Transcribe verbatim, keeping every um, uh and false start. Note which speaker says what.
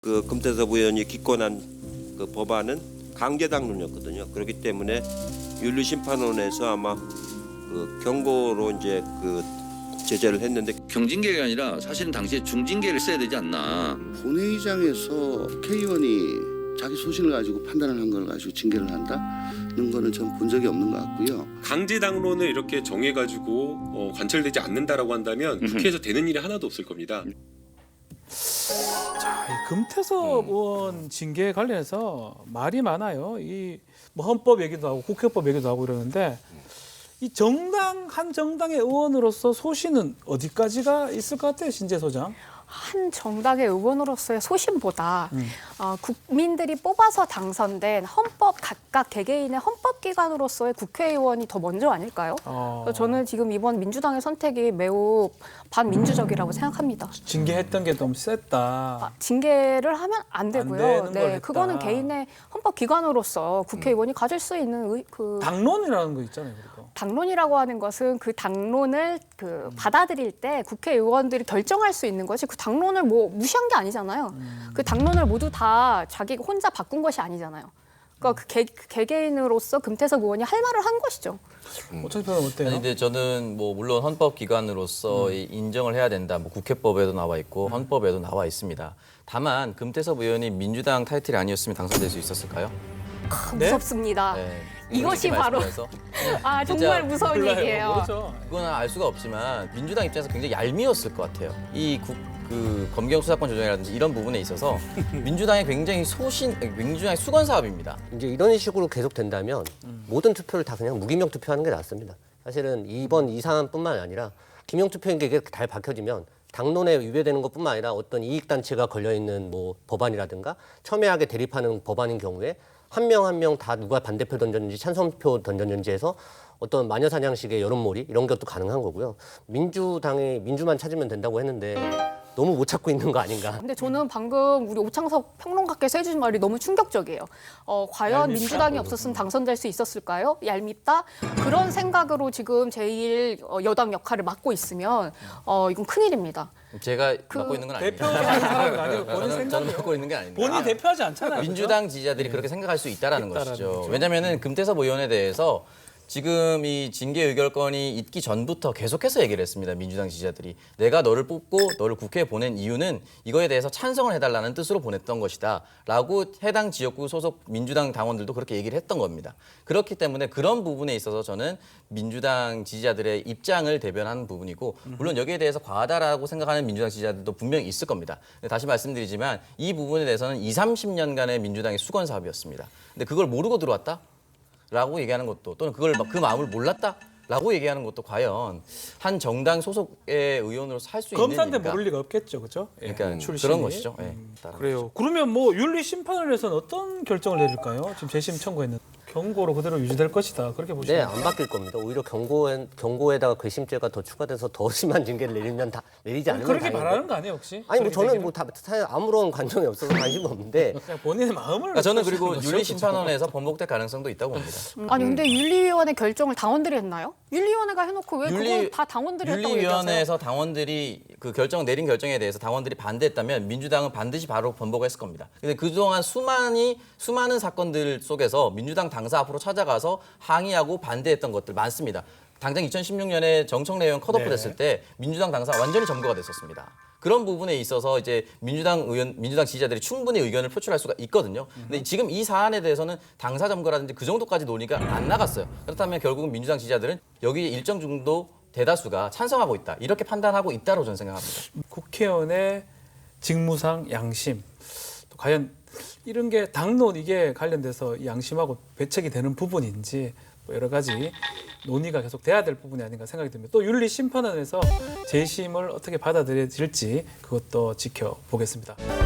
Speaker 1: 그 금태섭 의원이 기권한 그 법안은 강제 당론이었거든요. 그렇기 때문에 윤리심판원에서 아마 그 경고로 이제 그 제재를 했는데
Speaker 2: 경징계가 아니라 사실은 당시에 중징계를 써야 되지 않나.
Speaker 3: 본회의장에서 국회의원이 자기 소신을 가지고 판단을 한 걸 가지고 징계를 한다는 거는 전 본 적이 없는 것 같고요.
Speaker 4: 강제 당론을 이렇게 정해가지고 어, 관철되지 않는다라고 한다면 국회에서 되는 일이 하나도 없을 겁니다.
Speaker 5: 자, 이 금태섭 의원 징계 관련해서 말이 많아요. 이 뭐 헌법 얘기도 하고 국회법 얘기도 하고 이러는데 이 정당 한 정당의 의원으로서 소신은 어디까지가 있을 것 같아요, 신재 소장?
Speaker 6: 한 정당의 의원으로서의 소신보다
Speaker 5: 음.
Speaker 6: 어, 국민들이 뽑아서 당선된 헌법 각각 개개인의 헌법기관으로서의 국회의원이 더 먼저 아닐까요?
Speaker 5: 어.
Speaker 6: 그래서 저는 지금 이번 민주당의 선택이 매우 반민주적이라고 생각합니다.
Speaker 5: 징계했던 게 너무 셌다.
Speaker 6: 아, 징계를 하면 안 되고요.
Speaker 5: 되는 걸
Speaker 6: 네,
Speaker 5: 했다.
Speaker 6: 그거는 개인의 헌법기관으로서 국회의원이 가질 수 있는 의, 그
Speaker 5: 당론이라는 거 있잖아요, 그리고.
Speaker 6: 당론이라고 하는 것은 그 당론을 그 받아들일 때 국회의원들이 결정할 수 있는 것이 그 당론을 뭐 무시한 게 아니잖아요.
Speaker 5: 음.
Speaker 6: 그 당론을 모두 다 자기가 혼자 바꾼 것이 아니잖아요. 그러니까 그 개, 개개인으로서 금태섭 의원이 할 말을 한 것이죠.
Speaker 5: 어차피 어때요?
Speaker 7: 아니, 근데 저는 뭐 물론 헌법 기관으로서
Speaker 5: 음.
Speaker 7: 인정을 해야 된다. 뭐 국회법에도 나와 있고 헌법에도 나와 있습니다. 다만 금태섭 의원이 민주당 타이틀이 아니었으면 당선될 수 있었을까요?
Speaker 6: 아,
Speaker 5: 네?
Speaker 6: 무섭습니다.
Speaker 7: 네.
Speaker 6: 이것이 바로
Speaker 7: 말씀드려서.
Speaker 6: 아
Speaker 7: 진짜
Speaker 6: 정말 무서운
Speaker 5: 몰라요.
Speaker 6: 얘기예요.
Speaker 5: 모르죠.
Speaker 7: 그건 알 수가 없지만 민주당 입장에서 굉장히 얄미웠을 것 같아요. 이 국, 그 검경 수사권 조정이라든지 이런 부분에 있어서 민주당의 굉장히 소신, 민주당의 수건 사업입니다.
Speaker 8: 이제 이런 식으로 계속 된다면 모든 투표를 다 그냥 무기명 투표하는 게 낫습니다. 사실은 이번 이 사안뿐만 아니라 기명 투표인 게 잘 밝혀지면 당론에 위배되는 것뿐만 아니라 어떤 이익 단체가 걸려 있는 뭐 법안이라든가 첨예하게 대립하는 법안인 경우에 한 명 한 명 다 누가 반대표 던졌는지 찬성표 던졌는지 해서 어떤 마녀사냥식의 여론몰이 이런 것도 가능한 거고요. 민주당이 민주만 찾으면 된다고 했는데 너무 못 찾고 있는 거 아닌가.
Speaker 6: 근데 저는 방금 우리 오창석 평론가께서 해주신 말이 너무 충격적이에요. 어, 과연
Speaker 5: 얄밉다.
Speaker 6: 민주당이 없었으면 당선될 수 있었을까요? 얄밉다? 그런 생각으로 지금 제일 어, 여당 역할을 맡고 있으면 어, 이건 큰일입니다.
Speaker 7: 제가
Speaker 6: 그
Speaker 7: 맡고 있는 건 아닙니다.
Speaker 5: 대표하는 사람은 아니고 본인
Speaker 7: 저는, 저는
Speaker 5: 생각이에요.
Speaker 7: 맡고 있는 게 아닙니다.
Speaker 5: 본인이 대표하지 않잖아요.
Speaker 7: 민주당 지지자들이 그렇게 생각할 수 있다라는
Speaker 5: 있다라는
Speaker 7: 것이죠.
Speaker 5: 거죠.
Speaker 7: 왜냐하면 금태섭 의원에 대해서 지금 이 징계 의결권이 있기 전부터 계속해서 얘기를 했습니다. 민주당 지지자들이. 내가 너를 뽑고 너를 국회에 보낸 이유는 이거에 대해서 찬성을 해달라는 뜻으로 보냈던 것이다. 라고 해당 지역구 소속 민주당 당원들도 그렇게 얘기를 했던 겁니다. 그렇기 때문에 그런 부분에 있어서 저는 민주당 지지자들의 입장을 대변하는 부분이고 물론 여기에 대해서 과하다라고 생각하는 민주당 지지자들도 분명히 있을 겁니다. 근데 다시 말씀드리지만 이 부분에 대해서는 이삼십 년간의 민주당의 수건 사업이었습니다. 근데 그걸 모르고 들어왔다? 라고 얘기하는 것도 또는 그걸 그 마음을 몰랐다라고 얘기하는 것도 과연 한 정당 소속의 의원으로서 할 수 있는
Speaker 5: 검사인데
Speaker 7: 일인가?
Speaker 5: 모를 리가 없겠죠, 그렇죠? 예,
Speaker 7: 그러니까
Speaker 5: 출신이.
Speaker 7: 그런 것이죠. 예, 따라서.
Speaker 5: 그래요. 그러면 뭐 윤리심판원에서는 어떤 결정을 내릴까요? 지금 재심 청구했는데 경고로 그대로 유지될 것이다. 그렇게
Speaker 8: 네,
Speaker 5: 보시나요?
Speaker 8: 안 바뀔 겁니다. 오히려 경고에, 경고에다가 괘씸죄가 더 추가돼서 더 심한 징계를 내리면 다 내리지 않으면
Speaker 5: 그렇게
Speaker 8: 다행이고.
Speaker 5: 바라는 거 아니에요, 혹시?
Speaker 8: 아니 뭐
Speaker 5: 그렇게
Speaker 8: 저는
Speaker 5: 되기는?
Speaker 8: 뭐 다 사실 아무런 관정이 없어서 관심 없는데
Speaker 5: 그냥 본인의 마음을
Speaker 7: 그러니까 저는 그리고
Speaker 5: 표시하는 거죠,
Speaker 7: 윤리심판원에서 번복될 가능성도 있다고 봅니다.
Speaker 6: 아니 근데 윤리위원회 결정을 당원들이 했나요? 윤리위원회가 해놓고 왜
Speaker 7: 윤리-
Speaker 6: 그걸 다 당원들이 했다고 얘기하세요?
Speaker 7: 윤리위원회에서 당원들이 그 결정 내린 결정에 대해서 당원들이 반대했다면 민주당은 반드시 바로 번복했을 겁니다. 근데 그동안 수많이 수많은 사건들 속에서 민주당 당사 앞으로 찾아가서 항의하고 반대했던 것들 많습니다. 당장 이천십육 년에 정청래 의원 컷오프
Speaker 5: 네.
Speaker 7: 됐을 때 민주당 당사 완전히 점거가 됐었습니다. 그런 부분에 있어서 이제 민주당 의원, 민주당 지지자들이 충분히 의견을 표출할 수가 있거든요. 근데 지금 이 사안에 대해서는 당사 점거라든지 그 정도까지 논의가 안 나갔어요. 그렇다면 결국은 민주당 지지자들은 여기 일정 정도 대다수가 찬성하고 있다. 이렇게 판단하고 있다고 저는 생각합니다.
Speaker 5: 국회의원의 직무상 양심. 또 과연 이런 게 당론 이게 관련돼서 이 양심하고 배척이 되는 부분인지 뭐 여러 가지 논의가 계속 돼야 될 부분이 아닌가 생각이 듭니다. 또 윤리심판원에서 재심을 어떻게 받아들여질지 그것도 지켜보겠습니다.